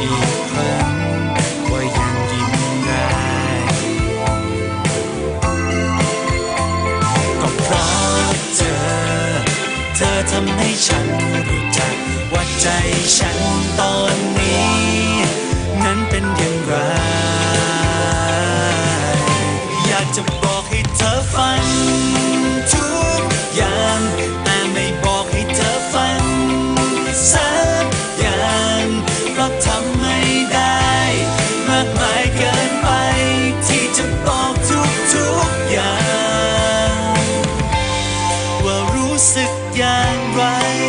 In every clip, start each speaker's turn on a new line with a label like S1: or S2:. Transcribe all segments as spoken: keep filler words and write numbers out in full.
S1: อีกครั้งว่ายังยิ้มได้ก็เพราะเธอเธอทำให้ฉันรู้จักว่าใจฉันตอนนี้นั้นเป็นอย่างไรอยากจะบอกให้เธอฟังทุกอย่างแต่ไม่บอกให้เธอฟังสักอย่างเพราะทำไม่ได้มากมายเกินไปที่จะบอกทุกทุกอย่างว่ารู้สึกอย่างไร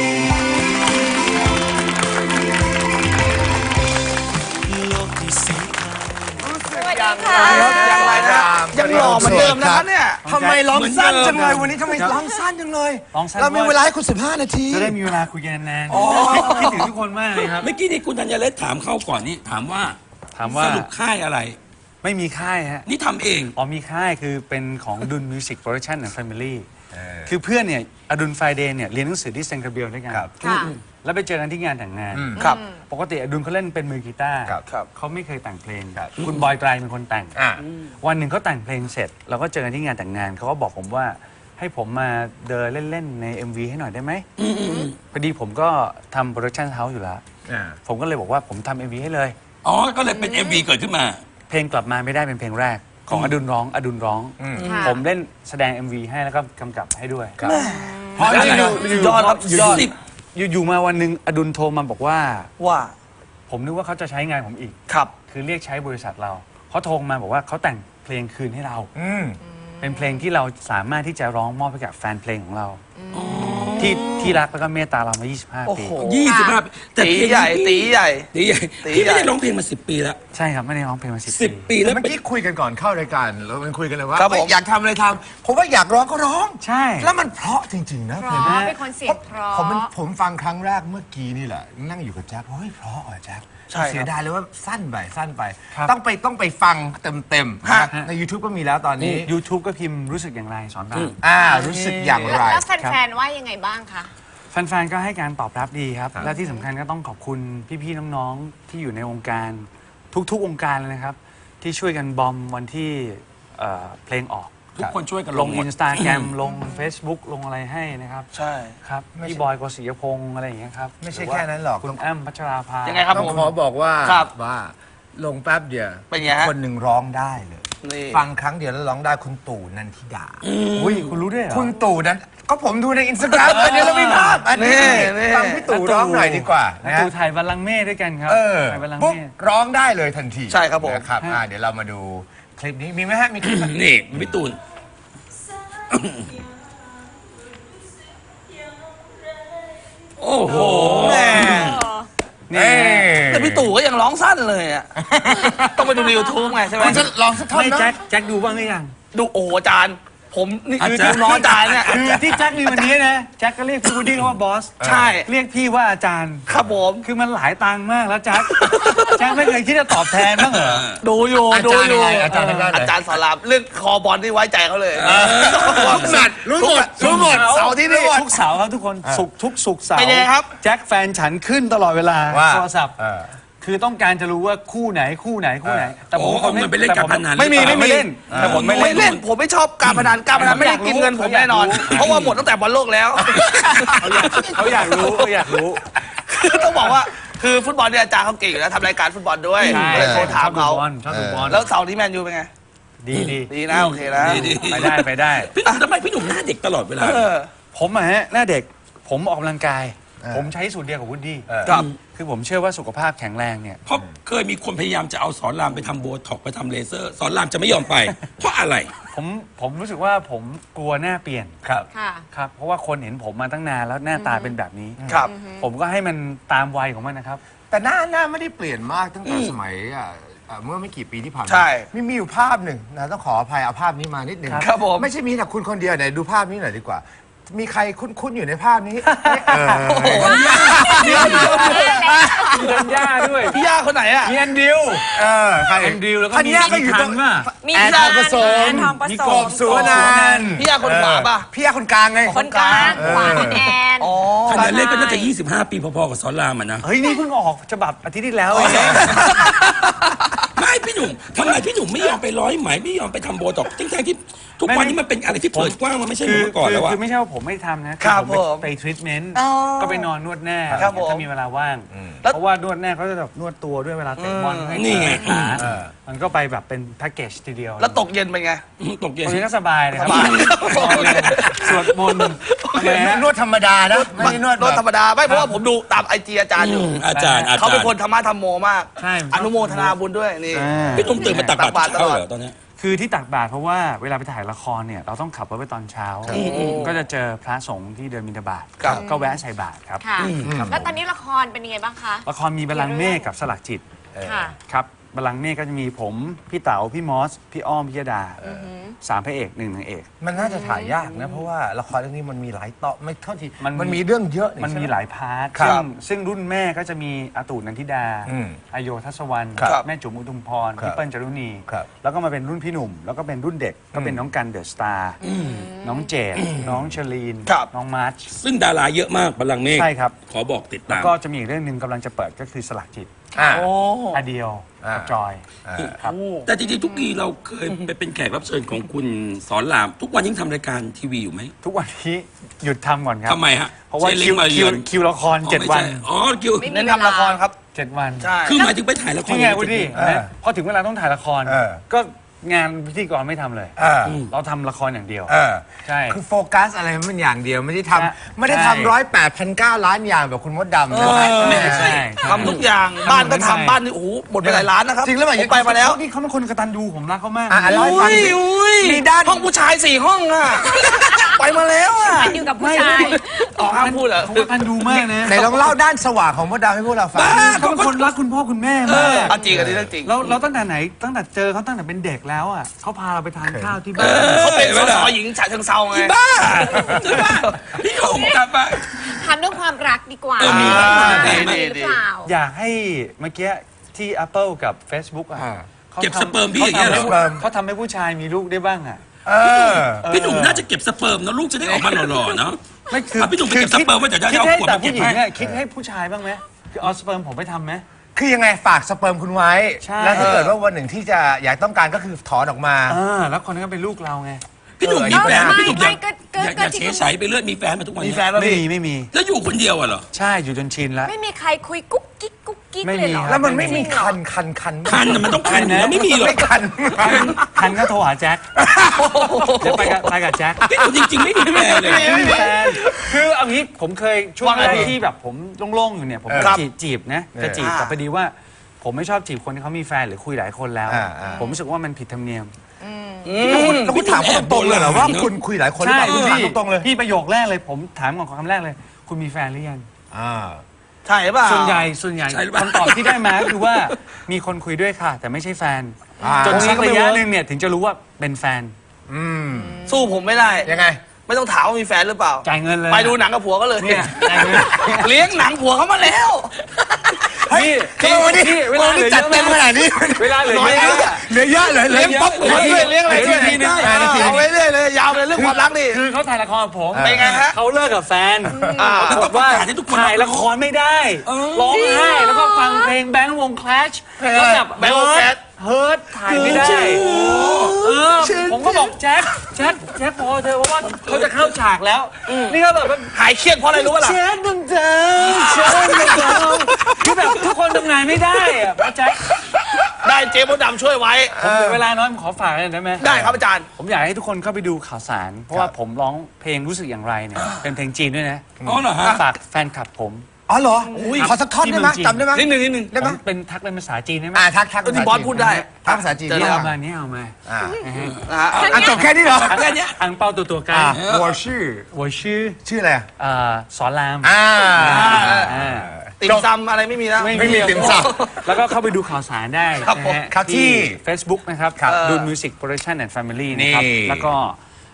S1: โลกที่สีขาว
S2: สวัสดีค่ะ
S3: อย่างไรนะยังหล่อเหมือนเดิมนะครับเนี่ย
S4: ทำไมร้องสั้นจังเลยวันนี้ทำไมร้องสั้นจังเลย
S5: ร้องสั้น
S4: เรามีเวลาให้คุณสิบห้านาที
S5: จะได้มีเวลาคุยกันนานๆคิดถึงทุกคนมากเลยครับ
S6: เมื่อกี้นี่คุณธัญเรศถามเข้าก่อนนี่ถามว่า
S5: ถามว่า
S6: สรุปค่ายอะไร
S5: ไม่มีค่ายฮะ
S6: นี่ทำเอง
S5: อ๋อมีค่ายคือเป็นของดุลมิวสิกโปรดักชั่นและแฟมิลี่คือเพื่อนเนี่ยอดุลไฟเดย์เนี่ยเรียนหนังสือที่เซนต์คาเบลด้วยกัน
S2: ค่ะ
S5: แล้วไปเจอกันที่งานแต่งงาน
S3: ครับ
S5: ปกติอดุลเขาเล่นเป็นมือกีตาร์
S3: ครับครับ
S5: เขาไม่เคยแต่งเพลงคุณบอยไตรเป็นคนแต่ง
S3: อ่ะ
S5: วันหนึ่งเขาแต่งเพลงเสร็จเราก็เจอกันที่งานแต่งงานเขาก็บอกผมว่าให้ผมมาเดินเล่นๆใน เอ็ม วี ให้หน่อยได้ไหมพอดีผมก็ทำโปรดักชั่นเฮาส์อยู่แล้ว
S3: อ่า
S5: ผมก็เลยบอกว่าผมทำ เอ็ม วี ให้เลย
S6: อ๋อ ก็เลยเป็น เอ็ม วี เกิดขึ้นมา
S5: เพลงกลับมาไม่ได้เป็นเพลงแรกของอดุลร้องอดุลร้อง
S2: ค่ะ
S5: ผมเล่นแสดง เอ็ม วี ให้แล้วก็กำกับให้ด้วย
S3: เพราะอะไร
S5: อยู่
S3: สุดยอดครับสุดยอด
S6: สิบ
S5: อยู่อยู่มาวันหนึ่งอดุลโทรมาบอกว่า
S4: ว่า
S5: ผมนึกว่าเขาจะใช้งานผมอีก
S4: ครับ
S5: คือเรียกใช้บริษัทเราเขาโทรมาบอกว่าเขาแต่งเพลงคืนให้เรา
S3: อืม
S5: เป็นเพลงที่เราสามารถที่จะร้องมอบให้กับแฟนเพลงของเรา ที่ที่รักแล้วก็เมตตาเรามา ยี่สิบห้า
S4: โอ้
S5: ปี
S4: โห
S6: ยี่สิบห้าปีแต่
S3: ตี
S6: เพลง
S3: ใหญ่
S6: นี้
S3: ตีใหญ่
S6: ตีใหญ่
S3: ตี
S6: พี่
S3: ใหญ่
S6: ไม่ได้ร้องเพลงมาสิบปีแล้ว
S5: ใช่ครับไม่ได้ร้องเพลงมาสิบ
S6: สิบ
S5: ปี
S6: ปีแล้ว
S3: เมื่อ
S6: เป็น
S3: กี้คุยกันก่อนเข้ารายการเรามันคุยกันเลยว่า
S4: ครับผม
S3: เอ้ยอยากทำอะไรทำผมว่าอยากร้องก็ร้อง
S5: ใช่
S3: แล้วมันเพราะจริง ๆ นะ
S2: เพ
S3: เพลง
S2: ราะ
S3: นี้
S2: เป็นคนเสียงเพราะ
S3: ผมมันผมฟังครั้งแรกเมื่อกี้นี่แหละนั่งอยู่กับแจ็คเฮ้ยเพราะอ่ะแจ็ค
S4: ใช่ครับ
S3: เสียดายเลยว่าสั้นไปสั้นไป
S5: ครับ
S3: ต้องไปต้องไปฟังเต็มๆ
S5: ฮะ
S3: นะใน YouTube ก็มีแล้วตอนนี้
S5: YouTube ก็พิมพ์รู้สึกอย่างไรสอนราม
S3: อ่ารู้สึกอย่างไร
S2: แล้วแฟนๆว่ายังไงบ้างคะ
S5: แฟนๆ ก็ให้การตอบรับดีครับ และที่สำคัญก็ต้องขอบคุณพี่ๆ น้องๆ ที่อยู่ในวงการทุกๆ วงการเลยนะครับ ที่ช่วยกันบอมวันที่เอ่อเพลงออก
S6: ทุกคนช่วยกัน
S5: ล
S6: ล
S5: ง
S6: งหม
S5: อิ
S6: ด
S5: นสตาแกรมลง Facebook ลงอะไรให้นะครับ
S4: ใช่
S5: ครับ
S3: ไม่ใช่
S5: พี่บอยกฤษยพงศ์อะไรอย่างเงี้ยครับ
S3: ไม่ใช่แค่นั้นหรอก
S5: คุณอ้ำพัชราภา
S4: ยังไงครับ
S3: ต้อง
S4: ผม
S3: ขอบอกว่า
S4: ครับ
S3: ว่าลงแป๊บเดียว
S4: เป็นไงฮะ
S3: คนหนึ่งร้องได้เลย
S4: นี่
S3: ฟังครั้งเดียวแล้วร้องได้คุณตู่นันทิดา
S5: อุ้ยคุณรู้ด้วยเหรอ
S3: คุณตู่นั้นก็ผมดูในอินสตาแกรมเดี๋ยวเรามีภาพอันนี้
S4: นี่
S3: ฟังพี่ตู่ร้องหน่อยดีกว่า
S5: นะ
S3: นะ
S5: ตู่ถ่ายบัลลังก์เมฆด้วยกันครับ
S3: เออ
S5: ถ่ายบัลลังก์
S3: ปุ๊บ
S5: เมฆ
S3: ร้องได้เลยทันที
S4: ใช่ครับผม
S3: นะครับอ่าเดี๋ยวเรามาดูคลิปนี้มีไหมฮะมีคลิปไหม
S6: นี่พี่ตูน โอ้โห
S3: แม่
S5: นี่
S4: แต่พี่ตู่ก็ยังร้องสั้นเลยอ่ะ ต้องไปดูใน YouTube ไงใช่ไหม
S3: คุณจะลองสักท่อน
S5: ไม่
S3: นะ
S5: แจ็คแจ็คดูบ้างหรือยัง
S4: ดูโอ้โหอาจารย์ ผมนี่คือ
S6: อาจารย์
S4: ดูน้องอาจารย์เนี่ย
S5: คือที่แจ็คมีวันนี้นะแจ็คก็เรียกพี่วูดดี้ว่าบอส
S4: ใช่
S5: เรียกพี่ว่าอาจารย์
S4: ครับผม
S5: คือมันหลายตังค์มากแล้วแจ็ค แจ็คไม่เคยคิดจะตอบแทนบ้างเหรอ
S4: ดูอยู่
S3: อา
S4: ดู
S3: จารย์
S4: อยู่
S3: อะไรอาจารย์ทางด้านไหน
S4: อาจารย์สอนรามเรื่องคอบอลที่ไว้ใจเขาเลย
S3: ทุกนัดรู้หมดรู้หมดเสาร์ที่นี่
S5: ทุกเสาร์ครับทุกคนสุกร์ทุกสุกร์เสาร์
S4: เป็นไงครับ
S5: แจ็คแฟนฉันขึ้นตลอดเวลา
S3: ว่า
S5: โทรศัพท์
S3: เออ
S5: คือต้องการจะรู้ว่าคู่ไหนคู่ไหนคู่ไหน แต่ผม
S6: โอ้เอาเงินไปเล่นการพนัน
S5: ไม่มี
S6: หรือเปล่า
S5: ไม่มีเล่นแต่ผมไม่
S4: ไม่
S5: เล่
S4: เล่
S5: น
S4: นผมไม่ชอบการพนันการพนันไม่ได้กินเงินผมแน่นอน เพราะว่าหมดตั้งแต่บอลโลกแล้ว
S5: เขาอยากรู้เขาอยากรู้
S4: คือต้องบอกว่าคือฟุตบอลเนี่ยอาจารย์เขาเก่งอยู่แล้วทำรายการฟุตบอลด้วย
S5: ใช่
S4: เลยโทรถามเขา
S5: ชอบดูบอล
S4: แล้วเสาร์ที่แมนยูเป็นไง
S5: ดีดี
S4: ดีนะโอเคนะ
S6: ดี
S5: ไปได้ไปได้
S6: พี่ตูนทำไมพี่หนุ่มหน้าเด็กตลอดเวลา
S4: เออ
S5: ผมอะฮะหน้าเด็กผมออกกำลังกาย
S3: เออ
S5: ผมใช้สูตรเดียวกับวูดดี้
S3: เออ
S4: ครับ
S5: คือผมเชื่อว่าสุขภาพแข็งแรงเนี่ย
S6: เพราะเคยมีคนพยายามจะเอาสอนรามไปทำโบท็อกไปทำเลเซอร์ สอนรามจะไม่ยอมไป เพราะอะไร
S5: ผมผมรู้สึกว่าผมกลัวหน้าเปลี่ยน
S3: ครับ
S2: ค่ะ
S5: ครับเพราะว่าคนเห็นผมมาตั้งนานแล้วหน้าตาเป็นแบบนี้
S4: ครับ
S5: ผมก็ให้มันตามวัยของมันนะครับ
S3: แต่หน้าหน้าไม่ได้เปลี่ยนมากตั้งแต่สมัยอ่ะอ่ะเมื่อไม่กี่ปีที่ผ่านมา
S4: ใช่
S3: มีมีอยู่ภาพหนึ่งนะต้องขออภัยเอาภาพนี้มานิดหนึ่ง
S4: ครับผม
S3: ไม่ใช่มีแต่คุณคนเดียวไหนดูภาพนี้หน่อยดีกว่า มีใครคุ้นๆอยู่ในภาพนี้เออ
S5: มีธัญญาด้วย
S4: พี่ย่าคนคนไหนอ่ะ
S3: มีแอนดิวเออใคร
S5: แอนดิวแล้วก็
S3: ธัญญาก็อยู่ตรง
S5: มีทันป่ะ
S2: มี
S3: แอน
S2: ทั
S3: ทองผสม
S2: แอนทองผ
S3: มี
S2: ส
S3: ก
S2: ม
S3: บสุวรรณันท์
S4: พี่ยาคนขวาป่ะ
S3: พี่ยาคนกลางไง
S2: คนกลางขวาคุณแอน
S4: อ๋อ
S6: ขนาดเล่นก็น่าจะยี่สิบห้าปีพอๆกับสอนรามอ่ะนะ
S5: เฮ้ย นี่เพิ่งออกฉบับอาทิตย์ที่แล้วเอง
S6: ไม่พี่หนุ่มทำไมพี่หนุ่มไม่ยอมไปร้อยไหมไม่ยอมไปทำโบท็อกซ์ทั้งๆที่ทุกวันนี้มันเป็นอะไรที่เปิดกว้างมันไม่ใช่เหมือนเมื่อก่อนแล้ว
S5: คื
S6: อะ
S5: คือไม่ใช่ว่าผมไม่ทำนะ
S4: ครับ
S5: ผม
S4: ผม
S5: ไปทรีทเมนต์
S2: อ๋อ
S5: ก็ไปนอนนวดแน่
S4: ครับผม
S5: ถ้ามีเวลาว่าง
S4: แล้ว
S5: เพราะว่านวดแน่เขาจะแบบนวดตัวด้วยเวลาเตะบอลให้
S6: นี่ไง
S5: ขา
S3: เออ
S5: มันก็ไปแบบเป็นแพ็กเกจทีเดียว
S4: แล้วตกเย็นเป็นไง
S6: ตกเย็น
S5: ตรงนี้ก็สบายเลยครับ
S4: สบาย
S5: นอนเลยสวดมนต์ทำไมฮะ
S3: นวดธรรมดานะไม่ได้นวด
S4: นวดธรรม
S3: แบบ
S4: ดาไม่เพราะว่าผมดูตามไอจีอาจารย์อยู่
S6: อืมอาจารย์อาจารย์
S4: เขาเป็นคนธรรมะธรรมโมมาก
S5: ใช่
S4: อนุโมทนาบุญด้วยนี่
S5: อ่า
S6: พี่หนุ่มตื่นมาตักบาตร
S4: ตักบาตรต
S6: เช้า
S4: ลอด
S6: เหรอตอนเนี้ย
S5: คือที่ตักบาตรเพราะว่าเวลาไปถ่ายละครเนี่ยเราต้องขับรถไปตอนเช้า ก็จะเจอพระสงฆ์ที่เดินบิณฑบาต
S4: ครับ
S5: ก็แวะใส่บาตรครับ
S2: ค่ะ แล้วตอนนี้ละครเป็นยังไงบ้างคะ
S5: ละครมีบัลลังก์เมฆกับสลักจิต
S2: ค่ะ
S5: ครับบัลลังก์เมฆก็จะมีผม พี่เต๋าพี่มอส พี่อ้อมพี่ยดาสามพระเอกหนึ่งนางเอก
S3: มันน่าจะถ่ายยากนะ เพราะว่าละครเรื่องนี้มันมีหลายตอนไม่เท่าที่
S5: มัน
S3: มันมีเรื่องเยอะ
S5: มันมีหลายพาร์ท
S3: ครั
S5: ซึ่
S3: บ
S5: งซึ่งรุ่นแม่ก็จะมีอาตูนันทิดา
S3: อืม
S5: อโยทัศวรรณ
S3: ครับ
S5: แม่จุ๋มอุทุมพร
S3: ครับ
S5: พี่เปิ้ลจารุณี
S3: ครับ
S5: แล้วก็มาเป็นรุ่นพี่หนุ่ม แล้วก็เป็นรุ่นเด็กก็เป็นน้องกันเดอะสตาร์น้องเจดน้องเชลีน
S4: ครับ
S5: น้องมาร์ช
S6: ซึ่งดาราเยอะมากบัลลังก์เมฆ
S5: ใช่ครับ
S6: ขอบอกติด
S5: แล้ว
S6: ตาม
S5: ก็จะมีอีกเรื่องหนึ่งกำลังจะเปิดก็คือสลักจิต
S3: อ่า
S4: โอ้
S5: อาเดียว
S3: อ่า
S5: กับจอย
S3: อ่า
S5: ครับ
S6: แต่จริงๆทุกทีเราเคยไปเป็นแขกรับเชิญของคุณสอนราม ทุกวันยังทำรายการทีวีอยู่ไหม
S5: ทุกวันนี้หยุดทำก่อนครับ
S6: ทำไมฮะ
S5: เพราะว่า
S6: เชลิ
S5: คิ
S6: ง
S5: ว
S6: มา
S5: คิ
S6: เยื
S5: ว
S6: อน
S5: คิวละคร
S6: อ๋อ
S5: เจ็ด
S6: ไม่
S5: วั
S6: ใช่
S5: น
S6: อ๋อคิว
S2: ไม่มี
S4: เน้นทำละครครับ
S5: เจ็ดวัน
S4: ใช่
S6: คือหมายถึงไปถ่ายละคร
S5: นี่ไงวุฒิ
S3: เออ
S5: พอถึงเวลาต้องถ่ายละคร
S3: เออ
S5: ก็งานพิธีกรไม่ทำเลย
S3: เออ
S5: เราทำละครอย่างเดียว
S3: เออ
S5: ใช่
S3: คือโฟกัสอะไรมันอย่างเดียวไม่ได้ท
S5: ใช่
S3: ำไม่ได้ทำร้อยแปดพันเก้าล้านอย่างแบบคุณมดดำนะ
S4: เออ
S3: ไม่
S5: ใช่
S3: ใช่
S5: ใช่
S4: ทำทุกอย่างบ้านก็ทำบ้านนี่โอ้โหหมดไปหลายล้านนะครับ
S3: จริงแล้วเหรอ
S4: ผมไปมาแล้ว
S5: นี่เขาเป็นคนกตัญญูผมรักเขามาก
S3: อ่ะเล่าให้ฟัง
S4: อุ้ย
S3: สิ
S4: อุ้ย
S3: มีด้าน
S4: ห้องผู้ชายสี่ห้องอ่ะ ไปมาแล้วอ่ะ
S2: มันอยู่กับผู้ชาย
S4: อ๋อห้ามพูดเหรอ
S5: เขากตัญญูมากนะ
S3: ไหนลองเล่าด้านสว่างของมดดำให้พวกเราฟัง
S5: เขาเป็นคนรักคุณพ่อคุณแม่
S4: เอ
S5: มาก
S4: อเอาจริงอันนี้เรื่องจริง
S5: แล้วเราตั้งแต่ไหนตั้งแต่เจอเขาตั้งแต่เป็นเด็กแล้วอ่ะเขาพาเราไปทานข้าวที่บ้าน
S4: เขาเป็นสสหญิงฉะเชิงเซาไง
S6: บ้าใช่ปะพี่หนุ่มกลับมา
S2: ทำเรื่องความรักดีกว่า
S6: เออมี
S2: ว่า
S4: ดี
S2: มี
S4: ดี
S2: หรือเปล่า
S5: อยากให้เมื่อกี้ที่ Apple กับ Facebook อ่ะ
S3: อ่า
S5: ขา
S6: เก็บ
S5: ทำ
S6: สเปิร์มพี่อย่างเงี้ยเหรอ
S5: ขาทำให้เขาทำให้ผู้ชายมีลูกได้บ้างอ่ะ
S3: เออ
S6: พี่หนุ่มน่าจะเก็บสเปิร์มนะลูกจะได้ออกมาหล่อๆเนาะ
S5: ไม่คือ
S6: อ่ะพี่หนุ่มไปเก็บสเปิร์มไว้เดี๋ยวจะ
S5: คิด
S6: เอา
S5: ให้
S6: ขวด
S5: แต่
S6: มาเก็บ
S5: ผู้หญิง
S6: ให้
S5: อ่ะคิดให้ผู้ชายบ้างไหมคือเอาสเปิร์มผมไปทำไหม
S3: คือยังไงฝากสเปิร์มคุณไว้
S5: ใช่
S3: แล้วถ้าเกิดว่าวันหนึ่งที่จะอยากต้องการก็คือถอนออกมา
S5: อ่าแล้วคนนั้นก็เป็นลูกเราไง
S6: พี่หนุ่มมีแฟน
S2: ไม่
S6: พี่หนุ่มอยาก
S2: ไม่ก็ก็
S6: อยาก
S2: ก็
S6: อยาก
S2: ที่
S6: เฉยฉายไปเรื่อยมีแฟนมาทุกวัน
S4: มี
S6: เนี้
S4: แฟนแล้ว
S5: ไม่
S4: พี่
S5: มีไม่มี
S6: แล้วอยู่คนเดียวอะเหรอ
S5: ใช่อยู่จนชินแล้ว
S2: ไม่มีใครคุยกุ๊กกิ๊กกุ๊กกิ๊ก
S5: ไม่
S2: เลย
S5: มี
S2: เหรอ
S5: ครับ
S3: แล้วมันไม่มีคันคันคัน
S6: คันน่ะมันต้องคันอยู่แล้วไม่มีหรอก
S3: ไม่คัน
S5: คันคันก็โทรหาแจ็คเดี๋ยวไปกับไปกับแจ็ค
S6: พี่หนุ่มจริงๆไม่มีแฟนเลย
S5: ไม่มีแฟนคือเอางี้ผมเคยช่วง
S4: ว่าไง
S5: แรก
S4: พี่
S5: ที่แบบผมโล่งๆอยู่เนี่ยผม
S3: ครับ
S5: จีบจีบนะจะจีบแต่พอดีว่า ผมไม่ชอบจีบคนที่เขามีแฟนหรือคุยหลายคนแล้ว
S3: อ่าอ่า
S5: ผมรู้สึกว่ามันผิดธรรมเนียม
S3: แล้วคุณแล้วคุณถามเขาตรงๆเลยเหรอว่าคุณคุยหลายคนหรือเปล่าคุณถาม
S5: พี่
S3: ตรงๆเลย
S5: พี่ประโยคแรกเลยผมถามก่อนคำแรกเลย คุณมีแฟนหรือยัง
S3: อ่า
S4: ใช่ป่ะ
S5: ส่วนใหญ่ส่วนใหญ่
S6: ใช่หรือเปล่า
S5: คำตอบที่ได้มาก็คือว่ามีคนคุยด้วยค่ะ แต่ไม่ใช่แฟน
S3: อ่า
S5: จนสัก
S3: ตรงนี้ก็ไม่
S5: ระยะ
S3: เวิร์ก
S5: หนึ่งเนี่ยถึงจะรู้ว่าเป็นแฟน
S3: อืม
S4: สู้ผมไม่ได้
S3: ยังไง
S4: ไม่ต้องถามว่ามีแฟนหรือเปล่า
S5: จ่ายเงินเลย
S4: ไปดูหนังกับผัวก็เลย
S5: เนี่ยจ่ายเงิน
S4: เลี้ยงหนังผัวเขามาแล้ว
S5: นี่
S3: เฮ้ยวันนี้
S5: นี่เว
S3: วั
S5: ลาน เหลื
S3: นี้
S5: อ
S3: จัด
S5: เยอะ
S3: เต็มข
S5: มาก
S3: นาดนี้
S5: เวลาเหลือ
S3: น้อย
S5: เย
S3: เย
S5: อะ
S3: อะเหลือเยอะเลยเลี้ยงป๊อป
S4: เลี้ยงด้วยเลี้ยงอะไรด้วย
S3: นาทีนึงนาทีนึ
S4: เอา
S3: ง
S4: ไว้เรื่อยเลยยาวเลยเรื่องความรักนี่
S5: คือเขาถ่ายละครกับผม
S4: เป็นไงฮะ
S5: เขาเลิกกับแฟน
S4: อ่า
S5: ปรากฏว่า
S6: แล้วต้องประกาศให้ทุกคน
S5: ถ่ายละครไม่ได้ร้องไห้แล้วก็ฟังเพลงแบงค์วงคลาชแล้วแบบ
S4: แบงค์วง Clash
S5: เฮิร์ตถ่ายไม่ได้เออผมก็บอกแจ็คแจ็คแจ็คพอเธอะเพราะว่าเขาจะเข้าฉากแล้วนี่ก็แบบว่า
S4: หายเครียดเพราะอะไรรู้ป่ะล่ะ
S5: แจ็คดำดำแจ็คดำดำคือแบบทุกคนทำงานไม่ได้อะเพราะแจ็ค
S4: ได้เจ๊มดดำช่วยไว้
S5: ผมเหลือเวลาน้อยผมขอฝากหน่อยได้ไหม
S4: ได้ครับอาจารย์
S5: ผมอยากให้ทุกคนเข้าไปดูข่าวสาร เพราะว่าผมร้องเพลงรู้สึกอย่างไรเนี่ยเป็นเพลงจีนด้วยนะ
S6: อ๋อเหรอฮะ
S5: ฝากแฟนคลับผม
S3: อ๋อเหรอขอสักท่อนได้ไหม
S5: ที่เมืองจีน
S3: จำได้ไหม
S4: นิดนึงนิดนึง
S3: ได้ไหม
S5: ผมเป็นทักเป็นภาษาจีนได้ไหม
S3: อ่าทักทัก
S4: เออที่บอสพูดได้
S3: ทักภาษาจีน
S4: เจอ
S3: นี่
S4: แล้ว
S5: เอามานี่เอามา
S3: อ่า
S4: นะฮะ
S3: อ่ะจบแค่นี้เหรอ
S4: แค่เนี้ย
S5: อังเปาตัวตัวกัน
S3: อ่าหัวชื่อ
S5: 我ชื่อ
S3: ชื่ออะไรอ่ะ
S5: เอ่อสอนราม
S3: อ่า
S5: อ่า
S4: ติ่มซำอะไรไม่มีแล้ว
S3: ไม่มีติ่มซ
S5: แล้วก็เข้าไปดูข่าวสารได้
S4: ครับผม
S5: นะฮะ
S3: ครับที่
S5: Facebook นะครับ
S3: ครับ
S5: ดู Music Production and Family นะครับ
S3: นี่
S5: แล้วก็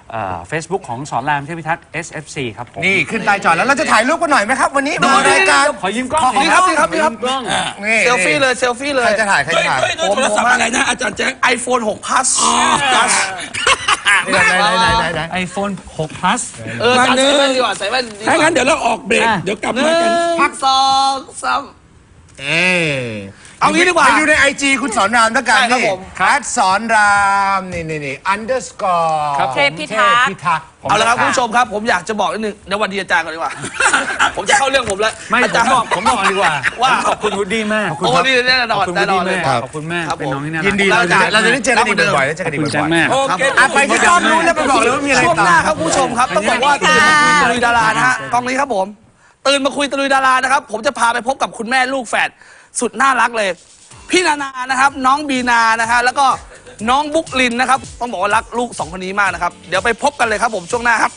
S5: เฟซบุ๊กของสอนรามเทพิทักษ์ เอส เอฟ ซี ครับผม
S3: นี่ขึ้นใต้จอแล้วเราจะถ่ายรูปกันหน่อยไหมครับวันนี้มารายการ
S5: ขอยืมกล้อง
S3: ขอ
S5: หน่อย
S3: ครับ
S5: ขอยืม
S3: ครับ
S5: กล้อง
S3: นี่
S4: เซลฟี่เลยเซลฟี่เล
S3: ใคร
S4: ย
S3: จะถ่ายใคร
S6: เฮ้
S3: จะ
S6: ย
S3: ถ่าย
S6: เฮ้ยโทรศัพท์อะไรนะอาจารย์แจ๊ค
S4: iPhone หก plus
S6: อ๋อ
S4: plus
S3: ไหนไหนไหนไหนไหน
S5: ไอโฟนหก plus
S4: เออจานใส่แว่นดีกว่าใส่แว่นดีก
S6: ถ้า
S4: ว่า
S6: งั้นเดี๋ยวเราออกเบรก
S5: อ่ะ
S6: เดี๋ยวกลับ
S4: หนึ่
S6: มากัน
S4: งพักสองสาม
S3: เอ๊ะ
S4: เอางี้ดีกว่า
S3: ไปดูในไอจีคุณสอนรามแล้วกัน
S4: ใช่ครับ
S3: นี่
S4: ผม
S3: คัดสอนรามนี่นี่นี่ underscore
S5: ครับผม
S2: เทพิทักษ์
S3: พิทักษ์
S4: เอาละครับคุณผู้ชมครับ ผมอยากจะบอกนิดนึงเดี๋ยววันดีอาจารย์ก่อนดีกว่า ผมจะเข้าเรื่องผมแล้ว
S5: ไม่
S4: อา
S5: ผ
S4: จาร
S5: ม
S4: ย์
S5: บอกผมบอกดีกว่า
S4: ว่า
S5: ขอบคุณวูดดี้มาก
S4: โอ้นี่แน่น
S5: ข
S4: อ
S5: อน บคุณ
S4: แน่
S5: วูด
S4: นอน
S5: ดี้
S4: เลย
S5: มากขอบคุณมากเป็นน้องที่น่ารัก
S3: ยินดีเราจะเราจะได้เจอกันอีกบ่อยๆแล้วเจอ
S5: ข
S3: กั
S5: อน บ
S3: อีก
S5: คุณ
S3: บ่
S5: จั
S3: อน ย
S5: แม่
S6: โอเค
S3: ๆอ่ะไปที่กล้องนู้นแล้วไปบอกเลยว่ามีอะไร
S4: ช่วง
S3: ต่อ
S4: หน้าครับคุณผู้ชมครับต้องบอกว่าตื่นมาคุยตะลุยดารานะฮะกล้องนี้ครับผมตื่นมาคุยตะลุยดารานะครับผมจะพาไปพบกับคุณแม่ลูกแฝดสุดน่ารักเลย พี่นานานะครับน้องบีนานะฮะแล้วก็น้องบุ๊กลินนะครับต้องบอกว่ารักลูกสองคนนี้มากนะครับเดี๋ยวไปพบกันเลยครับผมช่วงหน้าครับ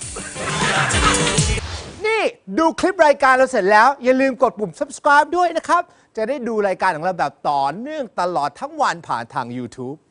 S7: นี่ดูคลิปรายการเราเสร็จแล้ว อย่าลืมกดปุ่ม subscribe ด้วยนะครับ จะได้ดูรายการของเราแบบต่อเนื่องตลอดทั้งวันผ่านทาง YouTube